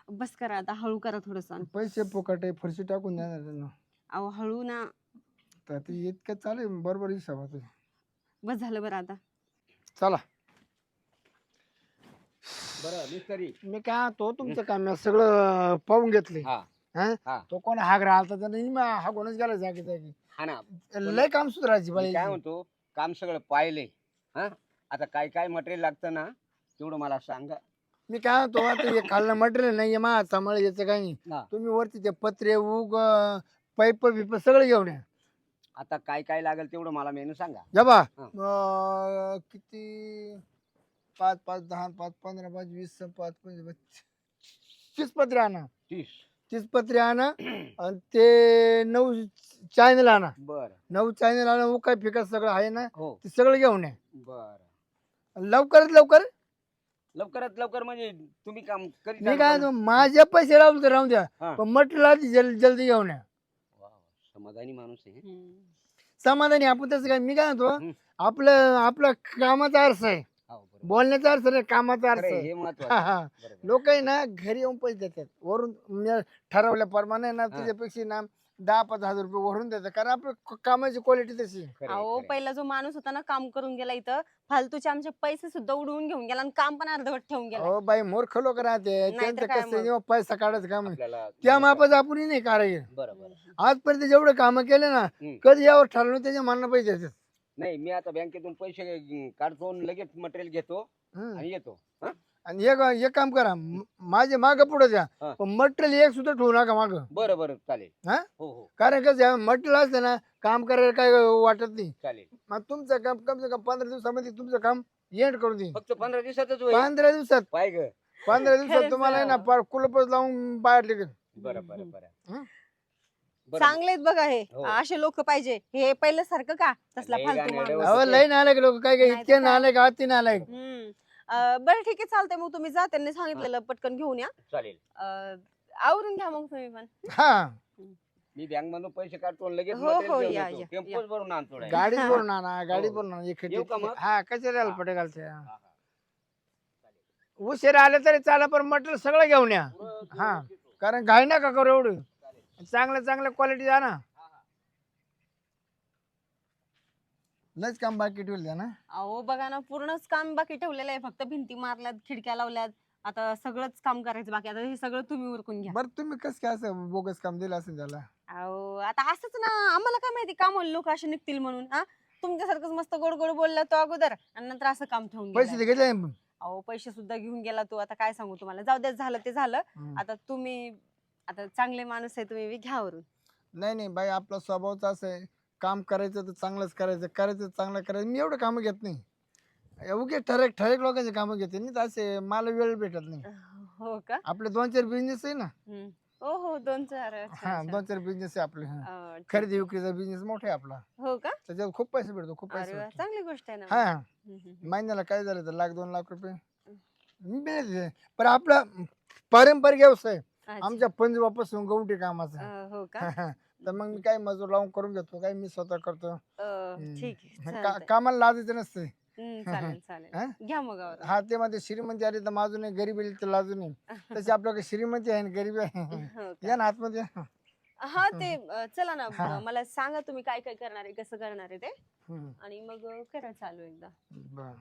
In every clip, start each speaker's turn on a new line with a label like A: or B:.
A: बस करा आता, हळू करा थोडंसं.
B: पैसे फुकट आहे, फरशी टाकून देणार त्यांना.
A: अहो हळू ना.
B: तर ते इतकं चालेल बरोबर हिसाबात आहे.
A: बस झालं बरं आता.
B: चला
C: बरं मिस्त्री.
B: मी काय तो तुमचं काम आहे, सगळं पाहून घेतले.
C: हा
B: हा?
C: हा
B: तो कोण हाग राहिला तर नाही हागूनच गेला जागी जागी.
C: हा ना.
B: लय काम सुधारायची
C: मी
B: बाई.
C: काय म्हणतो, काम सगळं पाहिले. हा आता काय काय मटेरियल लागतं ना, तेवढं मला सांगा.
B: मी काय म्हणतो आता हे खाल्लं मटेरियल नाही मा सांभाळ याचं काही नाही.
C: हा.
B: तुम्ही वरती ते पत्रे उग पाईप बिप सगळं घेऊन या.
C: आता काय काय लागेल तेवढं मला मेनू सांगा.
B: या बा
C: हा.
B: किती 5 5 10 5 15 5 20 5 25 30 पत्रे आणा. 30 पत्रे आणा आणि ते 9 चॅनल आणा.
C: बर
B: 9 चॅनल आणा. उकाय फिका सगळं आहे ना,
C: हो
B: ते सगळं घेऊन या.
C: बर.
B: लवकरात लवकर.
C: लवकरात लवकर म्हणजे तुम्ही काम करीत
B: मी
C: आहात
B: काय
C: का?
B: म्हणतो, माझे पैसे राहून तर राहून द्या,
C: हा.
B: पण मटेरियल आधी जल्दी घेऊन या.
C: वा, वा, समाधानी माणूस आहे.
B: समाधानी आपण तसं काय. मी काय म्हणतो,
C: हम्म.
B: आपलं आपलं कामाचा अर्थ आहे,
C: हो, बरोबर.
B: बोलण्याचा अर्थ नाही, कामाचा अर्थ
C: खरं आहे,
B: आहे.
C: हे
B: हा
C: महत्वाचं.
B: हा.
C: बरोबर.
B: लोक आहे ना घरी येऊन पैसे देतात वरून, म्हणजे ठरवल्याप्रमाणे ना त्याच्यापेक्षा ना 10-5 हजार रुपये वरून देतात, कारण आपलं कामाची क्वालिटी तशी आहे.
C: खरं आहे,
A: अहो
C: खरं आहे.
A: पहिला जो माणूस होता ना काम करून गेला इथं, फालतूचे आमचे पैसे सुद्धा उडवून घेऊन गेला आणि काम पण अर्धवट ठेवून गेला.
B: हो बाई, मूर्ख लोक राहते,
A: नाहीतर
B: त्यांचं
A: काय
B: कसं
A: मग?
B: जेव्हा पैसा काढायचं काम आहे,
C: आपल्याला
B: त्या मापाचं आपण नाही कारागीर.
C: बरोबर.
B: आजपर्यंत जेवढे कामं केले ना, कधी यावर ठरवलं त्याच्या मनानं पैसे देतात.
C: नाही मी आता बँकेतून पैसे काढतो आणि लगेच मटेरियल घेतो
B: हम्म.
C: आणि येतो. हा?
B: आणि एक काम करा, माझे माग पुढे द्या,
C: हा.
B: पण मटेरियल एक सुद्धा ठेवू नका माग.
C: बरं बरं चालेल.
B: हा?
C: हो हो
B: कारण कसं मटेरियल असतं ना, काम करायला काय वाटत नाही.
C: चालेल.
B: मग तुमचं काम कम से कम 15 दिवसामध्ये तुमचं काम एंड करून देईन.
C: फक्त 15 दिवसातच होईल.
B: 15 दिवसात
C: पाय ग.
B: 15 दिवसात
A: खरंच
B: तुम्हाला आहे ना पार कुलपच लावून बाहेर निघेल.
C: बरं बरं बरं.
B: हं?
C: बरं.
A: चांगलेत बघा हे,
C: हो.
A: असे लोक पाहिजे. हे पहिलं सारखं का तसला
C: लय
A: फालतू
C: गाण्याडे
A: माणूस.
B: अहो लय नालायक लोक, काय काय
A: नाही तर
B: इतके
A: काय?
B: नालायक आती नालायक.
A: बरं ठीक आहे चालतंय, मग तुम्ही जा, त्यांनी सांगितलेलं पटकन घेऊन या.
C: चालेल.
A: आवरून घ्या मग तुम्ही पण.
B: हा,
C: मी बँक मधून पैसे काढतो आणि लगेच
A: हो,
C: मटेरियल
A: हो,
C: घेऊन
A: या,
C: येतो.
A: या,
C: टेम्पोच भरून आणतो direct.
B: गाडीत भरून आणा, गाडीत
C: हो.
B: भरून आणा.
C: येऊ का मग?
B: हा, कचऱ्याला पटे घालते.
C: हा, हा.
B: उशीर आले तरी चाला, पण मटेरियल सगळं घेऊन या.
C: पुरं
B: हा.
C: व्यवस्थित हो.
B: कारण घाई नका करू एवढं.
C: चालेल.
B: चांगल्या चांगल्या क्वालिटी द्या ना.
C: हा, हा.
B: लयच काम बाकी ठेवलं द्या ना.
A: अहो बघा ना, पूर्णच काम बाकी ठेवलेलं आहे. फक्त भिंती मारल्यात, खिडक्या लावल्यात, आता सगळंच काम करायचं बाकी. आता हे सगळं तुम्ही उरकून घ्या.
B: बरं तुम्ही कसं काय असं बोगस काम दिलं असेल त्याला?
A: अहो आता असंच ना, आम्हाला काय माहिती काम लोक असे निघतील म्हणून. हा, तुमच्यासारखंच मस्त गोड गोड बोलला तो अगोदर आणि नंतर असं काम ठेवून
B: पैसे
A: गेलाय.
B: ते घेतले ना?
A: अहो पैसे सुद्धा घेऊन गेला तो. आता काय सांगू तुम्हाला, जाऊ दे, झालं ते झालं.
B: हम्म.
A: आता तुम्ही, आता चांगले माणूस आहे तुम्ही, घ्या वरून.
B: नाही नाही बाई, आपला स्वभावच असं आहे, काम करायचं तर चांगलंच करायचं, करायचं तर चांगलं करायचं. मी एवढं कामं घेत नाही, उगे ठराविक ठराविक लोकांचे कामं घेते. नाही तर असे मला वेळ भेटत नाही.
A: हो का?
B: आपले 2-4 बिझनेस आहे ना.
A: हो हो, 2-4. अच्छा,
B: हा,
A: अच्छा.
B: 2-4 बिझनेस आहे आपले. हा.
A: ठीक.
B: खरेदी विक्रीचा बिझनेस मोठा आहे आपला,
A: हो का?
B: त्याच्यात खूप पैसे भेटतो, खूप
A: अरे
B: पैसे
A: वा,
B: भेटतो.
A: चांगली गोष्ट आहे ना मग.
B: हा,
A: हम्म.
B: महिन्याला काय झालं तर 1-2 लाख रुपये मी भेटते. पण आपला पारंपरिक व्यवसाय
A: अच्छा.
B: आमच्या पंजोबापासून गवंडी कामाचा.
A: हो का?
B: तर मग मी काय मजूर लावून करून घेतो, काय मी स्वतः करतो.
A: ठीक आहे,
B: का-
A: चालतंय.
B: कामाला लाजायचं नसते.
A: चालेल चालेल,
B: हा?
A: घ्या मग आवरून.
B: हा, ते मध्ये श्रीमंती आली तर माजू नये, गरीब आली तर लाजू नये. तशी आपल्याकडे श्रीमंती आहे आणि गरीबी आहे.
A: हो का?
B: या ना आतमध्ये.
A: हा ते चला ना,
B: हा.
A: मला सांगा तुम्ही काय काय करणार आहे, कसं करणार आहे ते,
B: हम्म.
A: आणि मग करा चालू एकदा.
B: बरं.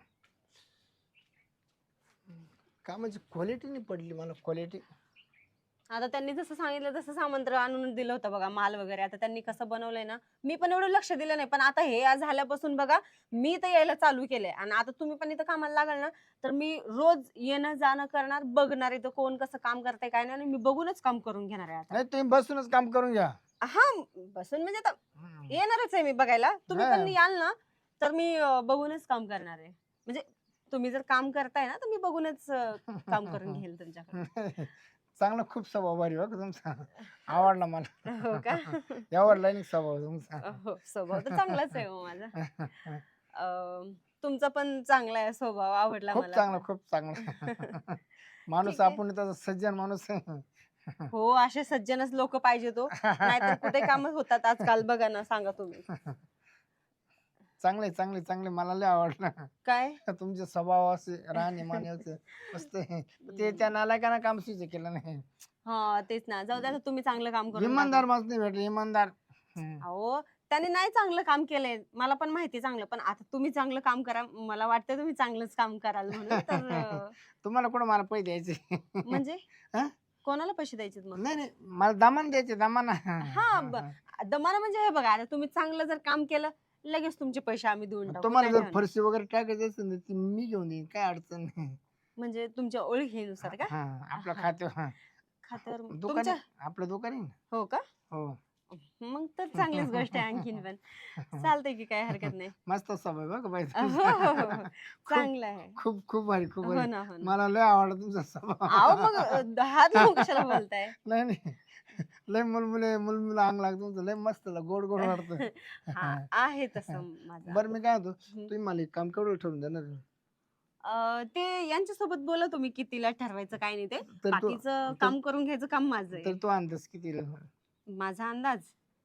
B: कामाची क्वालिटी नाही पडली मला, क्वालिटी.
A: आता त्यांनी जसं सांगितलं तसं सामंत्र आणून दिलं होतं बघा, माल वगैरे. आता त्यांनी कसं बनवलंय ना, मी पण एवढं लक्ष दिलं नाही, पण आता हे आज झाल्यापासून बघा मी तर यायला चालू केलंय. आणि आता तुम्ही पण इथं कामाला लागाल ना, तर मी रोज येणं जाणं करणार, बघणार इथं कोण कसं काम करतंय काय नाही, आणि मी बघूनच काम करून घेणार आहे आता.
B: नाही तुम्ही बसूनच काम करून घ्या.
A: हा, बसून म्हणजे आता
B: हम्म.
A: येणारच आहे मी बघायला. तुम्ही
B: हा.
A: पण याल ना, तर मी बघूनच काम करणार आहे. म्हणजे तुम्ही जर काम करताय ना, तर मी बघूनच काम करून घेईल तुमच्याकडे.
B: चांगला खूप स्वभाव भारी हो तुमचा, आवडला मला.
A: हो का?
B: आवडला नाही स्वभाव तुमचा.
A: हो, स्वभाव तर चांगलाच आहे हो माझा. तुमचा पण चांगला आहे स्वभाव, आवडला
B: खूप
A: मला
B: चांगला,
A: पण.
B: खूप चांगला माणूस.
A: ठीक आहे.
B: आपण त्याचा सज्जन माणूस आहे.
A: हो, असे सज्जनच लोक पाहिजे तो, नाहीतर कुठे काम होतात आजकाल बघा ना, सांगा तुम्ही.
B: चांगले चांगले चांगले मला लय आवडलं.
A: काय
B: तुमचे स्वभाव असे राहणे मान्याचं मस्त आहे. ते त्या नालायकांना काम सुचे केलं नाही.
A: हा तेच ना, जाऊ द्या आता तुम्ही चांगलं काम करून
B: इमानदार
A: दाखवा.
B: माणूस नाही भेटले इमानदार.
A: अहो त्याने नाही चांगलं काम केलंय, मला पण माहिती चांगलं, पण आता तुम्ही चांगलं काम करा, मला वाटतं तुम्ही चांगलंच काम कराल म्हणून तर
B: तुम्हाला कुठं मला पैसे द्यायचे?
A: म्हणजे
B: हा?
A: कोणाला पैसे द्यायचे मग?
B: नाही नाही मला दमान द्यायचे दमान.
A: हा दमाना म्हणजे हे बघा, आता तुम्ही चांगलं जर काम केलं लगेच तुमचे पैसे आम्ही देऊन टाकू,
B: तुम्हाला
A: काय
B: जर
A: नाही होणार.
B: फरशी वगैरे टाकायची असेल ना ती मी घेऊन देईन काय अडचण नाही.
A: म्हणजे तुमच्या ओळखीनुसार का?
B: हा आपलं
A: हा.
B: खाते
A: खात्यावर
B: दुकान
A: तुमच्या
B: आपलं दुकान आहे ना.
A: हो का?
B: हो
A: मग तर चांगलीच गोष्ट आहे आणखीन पण. चालतंय की काय हरकत नाही.
B: मस्त स्वभाव आहे बघ बाई
A: हो,
B: तुमचा.
A: हो, हो, हो. चांगलं आहे.
B: खूप खूप भारी खूप
A: हो
B: भारी.
A: ना, हो ना.
B: मला लय आवडला तुमचा
A: अहो
B: स्वभाव.
A: मग हात लावून कशाला बोलताय?
B: नाही नाही लय मुलमुले मुलमुला अंग लागतो तुमचं लय मस्त गोड गोड वाटतं.
A: हा आहे तसं माझं.
B: बरं मी काय होतो
A: हम्म.
B: तुम्ही मला एक काम केवढं ठेवून देणार आहे?
A: ते यांच्यासोबत बोला तुम्ही कितीला ठरवायचं काय नाही ते.
B: तर तो
A: बाकीचं काम करून घ्यायचं काम माझं
B: तर
A: आहे.
B: तो अंदाज किती
A: माझा अंदाज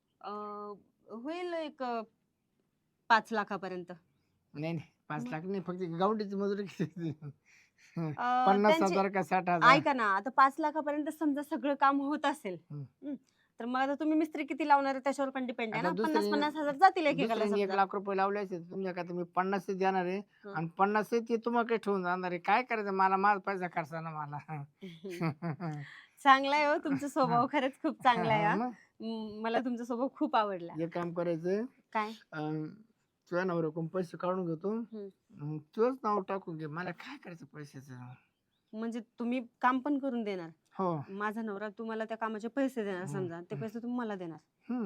A: होईल एक 5 लाखापर्यंत.
B: नाही नाही 5 लाख नाही फक्त गावडीची मजुरी किती?
A: अं,
B: 50,000 का 60,000?
A: ऐका ना, आता 5 लाखापर्यंत समजा सगळं काम होत असेल,
B: हम्म.
A: तर मग आता तुम्ही मिस्त्री किती लावणार आहे त्याच्यावर पण डिपेंड आहे
B: आता
A: ना.
B: दुसरी-
A: 50,000 जातील एकेकाला
B: दुसऱ्याने 1
A: समजा.
B: लाख रुपये लावले असेल तुमच्या का तुम्ही 50 देणार आहे
A: हं.
B: आणि 50 ते तुम्हाला काही ठेवून जाणार आहे काय करायचं मला माझा पैसा खर्चा ना मला.
A: चांगला आहे हो तुमचा स्वभाव, खरंच खूप चांगला आहे हा.
B: मग
A: मला तुमचा स्वभाव खूप आवडला.
B: एक काम करायचं
A: काय?
B: तुझ्या नवऱ्याकडून पैसे काढून घेतो
A: हं.
B: तुझंच नाव टाकून घे मला काय करायचं पैशाचं.
A: म्हणजे तुम्ही काम पण करून देणार,
B: हो
A: माझा नवरा तुम्हाला त्या कामाचे पैसे देणार, समजा ते पैसे तुम्ही मला देणार,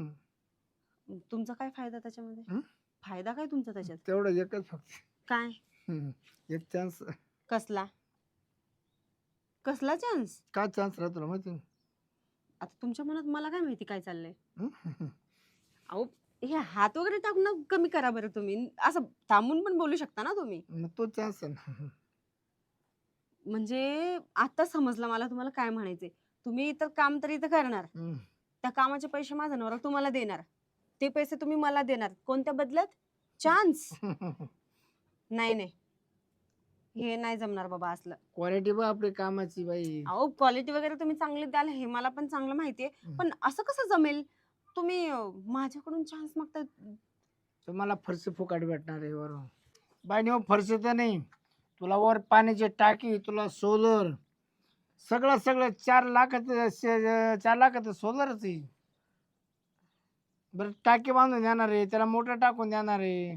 A: तुमचा काय फायदा त्याच्यामध्ये?
B: हं?
A: फायदा काय तुमचा त्याच्यात?
B: तेवढं एकच फक्त
A: काय?
B: एक चान्स.
A: कसला कसला चान्स?
B: काय चान्स राहतो ना माहिती?
A: आता तुमच्या मनात मला काय माहिती काय चाललंय.
B: हं?
A: अहो हे हात वगैरे टाकणं कमी करा बरं तुम्ही, असं थांबून पण बोलू शकता ना तुम्ही.
B: मग तो चान्स आहे ना.
A: म्हणजे आता समजलं मला तुम्हाला काय म्हणायचंय. तुम्ही तर काम तर इथं करणार, त्या कामाचे पैसे माझा नवरा तुम्हाला देणार, ते पैसे तुम्ही मला देणार, कोणत्या बदल्यात? चान्स. नाही नाही, हे नाही जमणार बाबा असलं.
B: क्वालिटी बघ आपली कामाची बाई.
A: अहो क्वालिटी वगैरे तुम्ही चांगली द्याल हे मला पण चांगलं माहितीये, पण असं कसं जमेल? तुम्ही माझ्याकडून चान्स मागताय.
B: तुम्हाला फरशी फुकाट भेटणार आहे वरून बाई. मग फरशी तर नाही तुला वर पाण्याची टाकी तुला सोलर सगळं सगळं 4 लाखाचं सोलरच आहे. बरं टाकी बांधून देणार आहे त्याला मोटर टाकून देणार आहे.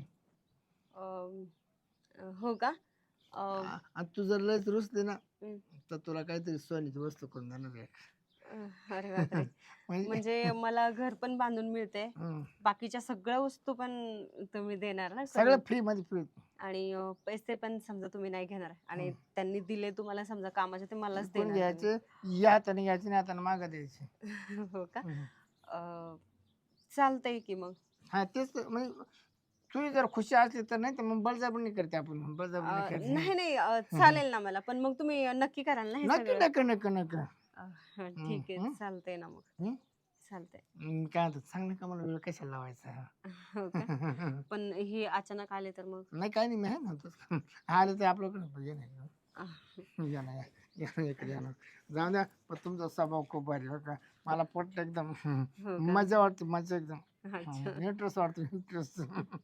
A: हो का?
B: आणि तू जर लयच रुसली ना
A: हं.
B: तर तुला काहीतरी सोन्याची वस्तू करून देणार आहे.
A: अरे बापरे. म्हणजे मला घर पण बांधून मिळते,
B: हं.
A: बाकीच्या सगळ्या वस्तू पण तुम्ही देणार ना
B: सगळं
A: करून?
B: फ्री मध्ये फ्री.
A: आणि पैसे पण समजा तुम्ही नाही घेणार, आणि त्यांनी दिले तुम्हाला समजा कामाचे ते मलाच
B: कोण
A: देणार
B: घ्यायचे या हाताने घ्यायचे नाही हाताने मागं द्यायचे.
A: तुम्ही. हो का?
B: हं.
A: चालतंय की मग.
B: हा तेच तर, म्हणजे तुझी जर खुशी असली तर नाही तर मग बळजबरी करते आपण बळजबरी करते.
A: नाही नाही, चालेल ना मला, पण मग तुम्ही नक्की कराल ना हे
B: नक्की
A: सगळं?
B: नक्की नक्की नक्की.
A: ठीक आहे,
B: हं.
A: चालतंय ना मग.
B: हं?
A: चालतंय.
B: काय होतं चांगलं कामाला वेळ कशाला लावायचा.
A: हो का? पण हे अचानक आले तर मग?
B: नाही काय नाही मी आहे ना तसं. आलं तर आपल्याकडे ये नाही
A: अह,
B: या ना इकडे या ना. जाऊ द्या पण तुमचा स्वभाव खूप भारी बरं का. मला पटलं एकदम.
A: हो का?
B: मजा वाटते मजा एकदम.
A: अच्छा.
B: इंटरेस्ट वाटतो इंटरेस्ट.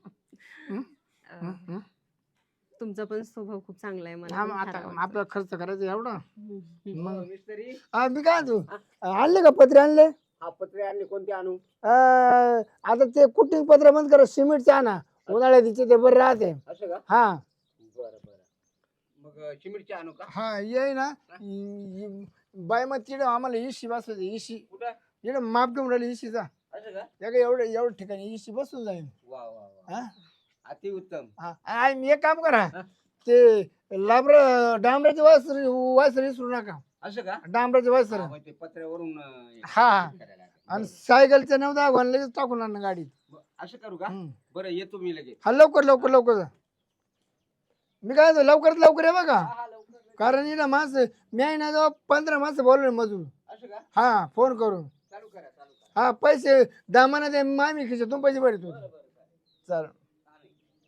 A: अह, तुमचा पण स्वभाव खूप चांगला आहे, मला पण फार
B: आता
A: आवडतो.
B: आपला खर्च करायचा एवढा
A: हम्म.
B: मग.
C: मिस्त्री
B: मी काय तू आणले का पत्रे आणले?
C: हा पत्रे आणले कोणते आणू?
B: आता ते कुटिंग पत्र बंद करा सिमेंटचे आणा उन्हाळ्यात तिचे ते बरं राहते.
C: असं का?
B: हा
C: बरं बरं. मग सिमेंटचे आणू का?
B: हा ये ना बाय मग तिकडे आम्हाला इशी बसवायचं इशी
C: कुठं?
B: इकडे माप घेऊन राहिली इशीचा
C: असं का?
B: एवढं ठिकाणी इशी बसून जाईल.
C: वा वा वा.
B: हा
C: अति उत्तम.
B: हा मी एक काम करा
C: हा.
B: ते डांबराचे वासर विसरू नका.
C: असं का?
B: डांबराचे वासर
C: हा, मग ते पत्र्यावरून
B: हा
C: करायला लागेल.
B: आणि
C: बरं.
B: सायकलचं 9-10 घालून लगेच टाकून आणा गाडीत.
C: असं करू का?
B: हम्म.
C: बरं येतो मी लगेच.
B: हा लवकर लवकर लवकर जा. मी काय म्हणतो, लवकरात लवकर आहे बघा.
C: हा लवकर लगेच.
B: कारण इथं माणसं मी आहे ना जवळ 15 माणसं बोलवले मजूर.
C: असं का?
B: हा फोन करून.
C: चालू करा चालू करा.
B: हा पैसे दामाना दे मामी खिशातून पैसे भरतो.
C: बरं बरं चालेल.
B: चालेल.
C: चालेल.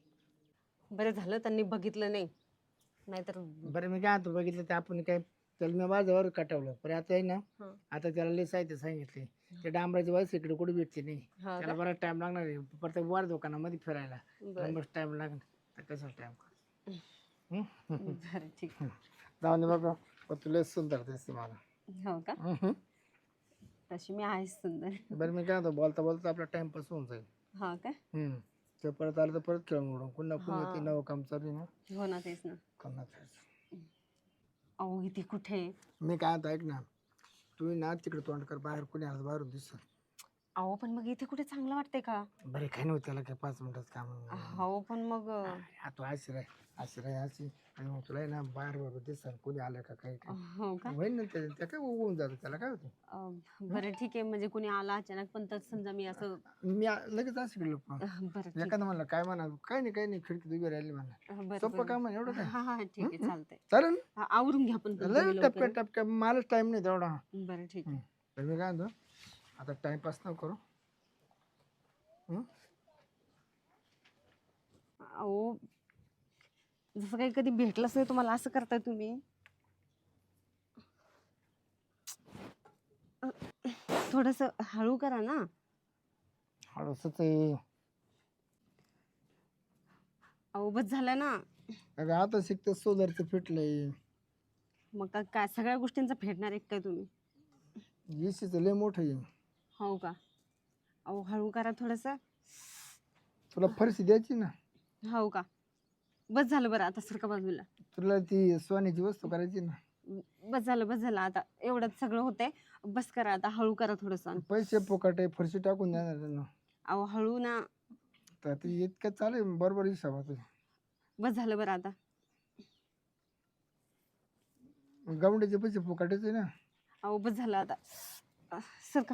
A: बरं झालं त्यांनी बघितलं नाही, नाहीतर
B: बरं मी काय म्हणतो बघितलं ते आपण काय त्याला मी माझ्यावर कटवलं पण आता आहे ना
A: हं.
B: आता त्याला लय साहित्य सांगितले ते डांबराची वाईस इकडे कुठे भेटते नाही
A: हा
B: त्याला
A: का?
B: बराच टाइम लागणार आहे प्रत्येक वार दुकानामध्ये फिरायला
A: बरं
B: मग टाइम लागणार तर कसा टाइम
A: बरं ठीक आहे.
B: जाऊन दे बाबा पण तुला सुंदर दिसते मला
A: हो का? तशी मी आहेच सुंदर.
B: बरं मी काय म्हणतो बोलता बोलता आपला टाइमपास होऊन जाईल
A: हा काय?
B: ते परत आलं तर परत खेळून उडून पुन्हा पुन्हा
A: हा.
B: ते नवं काम चालू आहे ना
A: हो ना, तेच ना.
B: पुन्हा खेळायचं.
A: अहो इथे कुठे?
B: मी काय आता ऐक ना तू ना तिकडे तोंड कर बाहेर कोणी आलं बाहेरून दिसत
A: अहो पण मग इथे कुठे चांगलं वाटतंय का?
B: बरे काही नव्हतं त्याला काय 5 मिनिटात काम
A: हो पण मग
B: हा तू आशिराय अशी आणि मग तुला आहे ना बाहेर बरोबर दिसत कोणी आलं का काही काय
A: हो का?
B: होईल ना त्या काय होऊन जातं त्याला काय होतं
A: बरं ठीक आहे, म्हणजे कुणी आला अचानक पण तर समजा मी असं
B: मी लगेच असं केलं पण
A: बरं ठीक
B: एखादं म्हणलं काय म्हणा काही नाही खिडकीत उभी राहिली म्हणा
A: बरं
B: सोपं
A: बरं.
B: काम आहे एवढं काय
A: हा हा ठीक आहे, चालतंय.
B: चालेल
A: हा, आवरून घ्या पण तुम्ही
B: लय
A: लवकर.
B: टपक्या टपक्या मलाच टाइम नाही तेवढा
A: बरं ठीक आहे.
B: तर मी काय म्हणतो आता टाइमपास न करू
A: अहो जसं काही कधी भेटलंच नाही तुम्हाला असं करताय तुम्ही. थोडस हळू करा ना.
B: हळूच ते
A: अहो बस झालं ना.
B: अगं आता शिकतं सोलरचं फिटलंय
A: मग काय सगळ्या गोष्टींचा फेडणार आहे काय तुम्ही?
B: एसीचं लय मोठं आहे
A: हो का? अहो हळू करा थोडस.
B: तुला फरशी द्यायची ना
A: हो का? बस झालं बरं, आता सरका बाजूला.
B: तुला ती सोन्याची वस्तू करायची ना
A: बस झालं आता एवढंच सगळं होतंय. बस करा आता, हळू करा थोडस.
B: पैसे फुकट आहे फरशी टाकून देणार त्यांना
A: अहो हळू ना.
B: तर ती इतकं चालेल बरोबर हिसाब
A: बस झालं बरं आता.
B: गावंडीचे पैसे फुकटायचे आहे ना
A: अहो बस झालं आता. सरका.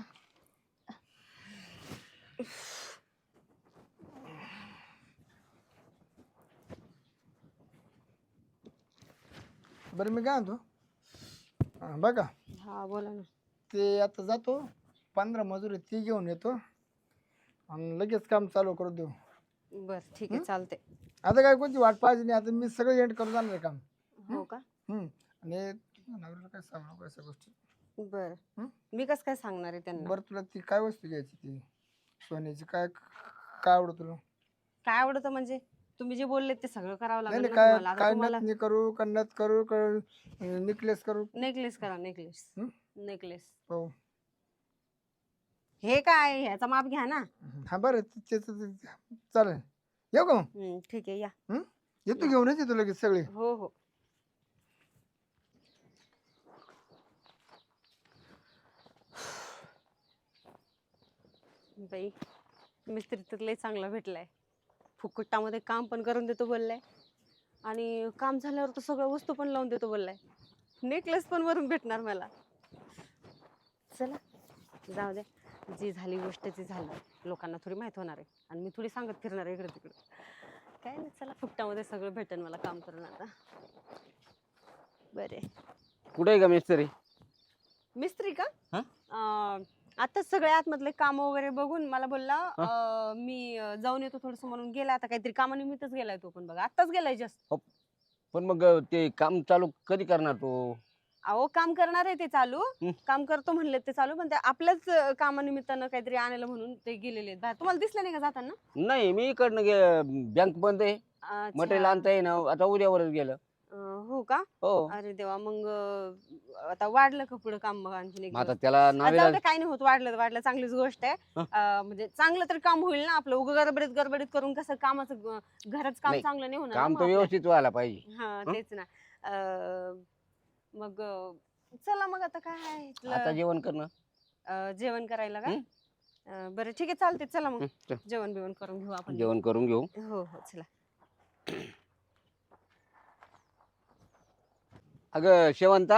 B: बरं मी काय म्हणतो बघा
A: हा बोला ना.
B: ते आता जातो 15 मजूर आहे ती घेऊन येतो आणि लगेच काम चालू करून देऊ
A: बर ठीक आहे, चालतंय.
B: आता काय कोणती वाट पाहिजे नाही आता मी सगळं एंड करून जाणार आहे काम
A: हो का?
B: आणि नवऱ्याला काय सांगू नको अशा गोष्टी
A: बर.
B: हं?
A: मी कसं काय सांगणार आहे त्यांना?
B: बरं तुला ती काय वस्तू घ्यायची ती सोन्याची काय काय आवडत तुला
A: काय आवडतं म्हणजे तुम्ही जे बोलले ते सगळं करावं
B: नाही
A: लागेल
B: नाही
A: ना
B: काय
A: तुम्हाला. आता
B: काय
A: तुम्हाला
B: नथ करू का नथ करू का नेकलेस करू
A: नेकलेस करा, नेकलेस.
B: हं?
A: नेकलेस.
B: हो
A: हे काय, ह्याचा माप घ्या ना.
B: हा बरं चालेल येऊ का मग
A: ठीक आहे, या.
B: येतो घेऊनच येतो लगेच सगळे
A: हो हो. बाई मिस्त्री तर लय चांगला भेटलाय. फुकटामध्ये काम पण करून देतो बोललाय आणि काम झाल्यावर तर सगळ्या वस्तू पण लावून देतो बोललाय. नेकलेस पण वरून भेटणार मला. चला जाऊ दे, जी झाली गोष्ट ती झाली. लोकांना थोडी माहित होणार आहे आणि मी थोडी सांगत फिरणार आहे इकडे तिकडे. काय नाही, चला फुकटामध्ये सगळं भेटेल मला काम करून आता. बरे.
C: कुठे आहे का मिस्त्री?
A: मिस्त्री का?
C: हा?
A: आताच सगळे आतमधले काम वगैरे बघून मला बोलला मी जाऊन येतो थोडस म्हणून गेला. आता काहीतरी कामानिमित्तच गेलाय तो पण बघा, आताच गेलाय जस्ट.
C: पण मग ते काम चालू कधी करणार तो?
A: अहो काम करणार आहे ते चालू. काम करतो म्हणले ते चालू, पण ते आपल्याच कामानिमित्तानं काहीतरी आणायला म्हणून ते गेलेले आहेत बाहेर. तुम्हाला दिसलं नाही का जाताना?
C: नाही, मी इकडनं बँक बंद आहे, मटेरियल आणता येईना, आता उद्यावरच गेलं.
A: हो का?
C: हो.
A: अरे देवा, मग आता वाढलं का पुढे काम? मग आणखीन एक
C: मग आता
A: दिवस?
C: त्याला
A: जाऊ
C: नावेला
A: दे, काही नाही होत. वाढलं चांगलीच गोष्ट आहे. म्हणजे चांगलं तर काम होईल ना आपलं. उगा गडबडीत करून कसं कामाचं घराचं काम
C: नाही,
A: चांगलं नाही होणार ना
C: काम
A: मग
C: तर
A: आपलं.
C: व्यवस्थित व्हायला पाहिजे.
A: हा तेच ना. मग चला मग आता काय आहे
C: आता
A: इथलं,
C: जेवण करणं.
A: जेवण करायला का? बरं ठीक आहे, चालते. चला मग
C: चल,
A: जेवण बिवण करून घेऊ आपण.
C: जेवण करून घेऊ.
A: हो हो चला.
C: अगं शेवंता,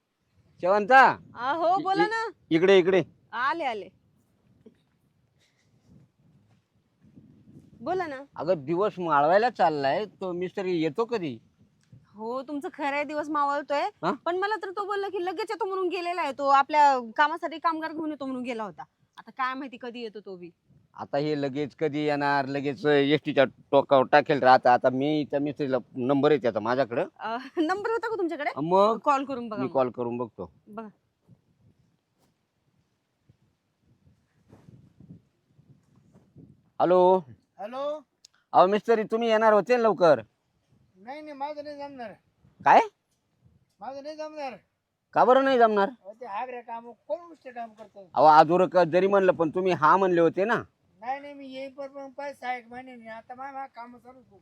A: हो बोला ना.
C: इकडे
A: आले. बोला ना.
C: अगं दिवस माळवायला चाललाय, तो मिस्त्री येतो कधी?
A: हो तुमचं खरं आहे, दिवस मावळतोय.
C: हा?
A: पण मला तर तो बोलला की लगेच येतो म्हणून गेलेला आहे. तो आपल्या कामासाठी कामगार घेऊन येतो म्हणून गेला होता. आता काय माहिती कधी येतो तो बी.
C: आता हे लगेच कधी येणार, लगेच एसटीच्या टोकावर टाकेल राहता. आता मी त्या मिस्त्रीला नंबर आहे त्याचा माझ्याकडं.
A: नंबर होता का तुमच्याकडे?
C: मग
A: कॉल करून बघा
C: मी
A: मग.
C: कॉल करून बघतो.
A: बघा.
C: हॅलो.
B: हॅलो.
C: अहो मिस्त्री तुम्ही येणार होते ना लवकर?
B: नाही नाही, माझं नाही जमणार.
C: काय?
B: माझं नाही जमणार.
C: का बरं नाही जमणार?
B: ते हागरे काम कोण उष्ट काम करतो.
C: अहो आजूर जरी म्हणलं पण तुम्ही हा म्हणले होते ना.
B: नाही नाही, मी येईन पण पैसा एक महिने नाही. आता माझ्या काम चालू आहे.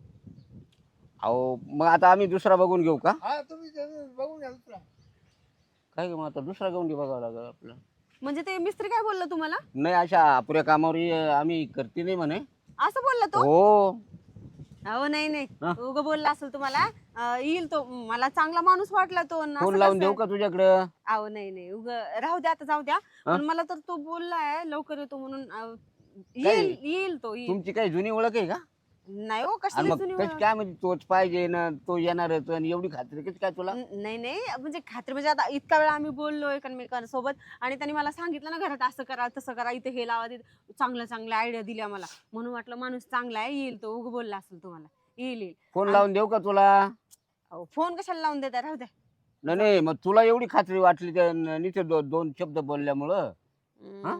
C: अहो मग आता आम्ही दुसरा बघून घेऊ का?
B: हा, तुम्ही बघून घ्या दुसरा.
C: काय मग आता दुसरा गवंडी बघावं लागेल आपलं.
A: म्हणजे ते मिस्त्री काय बोलला तुम्हाला?
C: नाही, अशा अपुऱ्या कामावर आम्ही करते नाही म्हणे.
A: असं बोलला तो?
C: हो.
A: अहो नाही नाही,
C: हा?
A: उगं बोलला असेल तुम्हाला. येईल तो, मला चांगला माणूस वाटला तो. आणि
C: फोन
A: असं
C: लावून
A: कसं
C: देऊ
A: आहे?
C: का तुझ्याकडं?
A: अहो नाही नाही, उगं राहू द्या, आता जाऊ द्या.
C: हा?
A: पण मला तर तो बोललाय लवकर येतो म्हणून. येईल येईल तो, येईल.
C: तुमची काही जुनी ओळख आहे का?
A: नाही हो,
C: आणि
A: कसली
C: मग
A: जुनी
C: कशी
A: ओळख?
C: काय म्हणजे तोच पाहिजे ना, तो येणारच आणि एवढी खात्री कशी काय तुला?
A: नाही नाही, म्हणजे खात्री म्हणजे आता इतका वेळ आम्ही बोललोय एकमेकांसोबत, आणि त्यांनी मला सांगितलं ना घरात असं करा तसं करा, इथे हे लावा, तिथे चांगल्या चांगल्या आयडिया दिल्या मला. म्हणून वाटलं माणूस चांगला आहे, येईल तो. उगं बोलला असेल तुम्हाला. येईल येईल.
C: फोन लावून देऊ का तुला?
A: अहो, फोन कशाला लावून देता, राहू द्या.
C: नाही नाही, मग तुला एवढी खात्री वाटली त्या नीचे दोन शब्द बोलल्यामुळं? हा?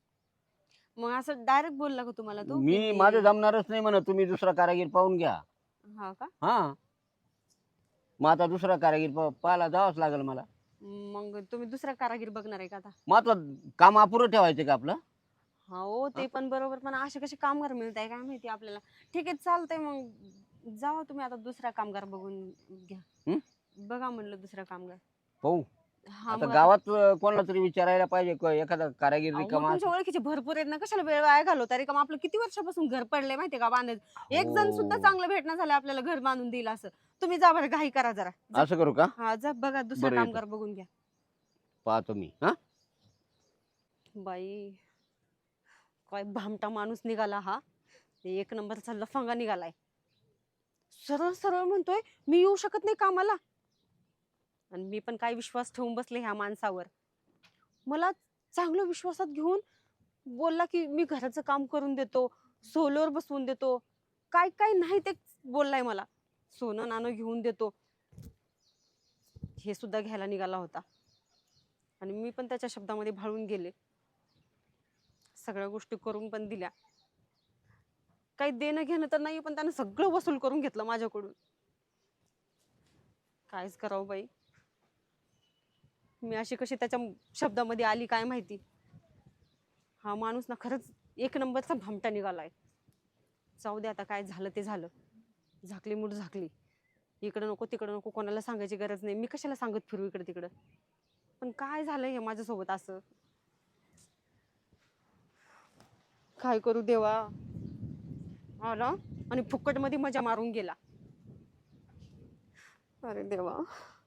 A: मग असं डायरेक्ट बोलला का तुम्हाला तो?
C: मी माझं जमणारच नाही म्हणत, तुम्ही दुसरा कारागीर पाहून घ्या.
A: हा का?
C: हा, मग आता दुसरा कारागीर पाहायला जावंच लागेल मला.
A: मग तुम्ही दुसरा कारागीर बघणार आहे का आता?
C: मग आता काम अपुरं ठेवायचं का आपलं?
A: हो ते पण बरोबर, पण असे कसे कामगार मिळत आहे काय माहिती आपल्याला. ठीक आहे, चालतंय. मग जावा तुम्ही आता दुसरा कामगार बघून घ्या.
C: हं?
A: बघा म्हणलं दुसरा कामगार.
C: पाहू.
A: हा,
C: आता
A: मग
C: गावात कोणाला तरी विचारायला पाहिजे एखादा कारागीर
A: अहो,
C: रिकामा
A: तुमच्या ओळखीचे भरपूर आहेत ना, कशाला वेळ वाया घालवता? रिकाम आपलं किती वर्षापासून घर पडलंय माहितीये का बांधायचं. एक जण सुद्धा
C: हो.
A: चांगलं भेटणं झालं आपल्याला घर बांधून दिलं असं. तुम्ही जा बरं, घाई करा जरा. जा.
C: असं करू का?
A: हा, जा बघा दुसरा
C: बरं, येतो.
A: कामगार बघून घ्या.
C: पाहतो मी. हा,
A: बाई, काय भामटा माणूस निघाला हा. एक नंबरचा लफंगा निघालाय. सरळ सरळ म्हणतोय मी येऊ शकत नाही कामाला. आणि मी पण काय विश्वास ठेवून बसले ह्या माणसावर. मला चांगलं विश्वासात घेऊन बोलला की मी घराचं काम करून देतो, सोलर बसवून देतो, काय काय नाही ते बोललाय मला. सोनं नाणं घेऊन देतो, हे सुद्धा घ्यायला निघाला होता. आणि मी पण त्याच्या शब्दामध्ये भाळून गेले. सगळ्या गोष्टी करून पण दिल्या. काही देणं घेणं तर नाही, पण त्यानं सगळं वसूल करून घेतलं माझ्याकडून. कायच करावं बाई, मी अशी कशी त्याच्या शब्दामध्ये आली काय माहिती. हा माणूस ना खरंच एक नंबरचा भामटा निघालाय. जाऊ दे, आता काय झालं ते झालं. झाकली मूठ झाकली. इकडं नको तिकडं नको, कोणाला सांगायची गरज नाही. मी कशाला सांगत फिरू इकडं तिकडं. पण काय झालंय हे माझ्यासोबत असं. काय करू देवा. आला आणि फुकट मध्ये मजा मारून गेला. अरे देवा.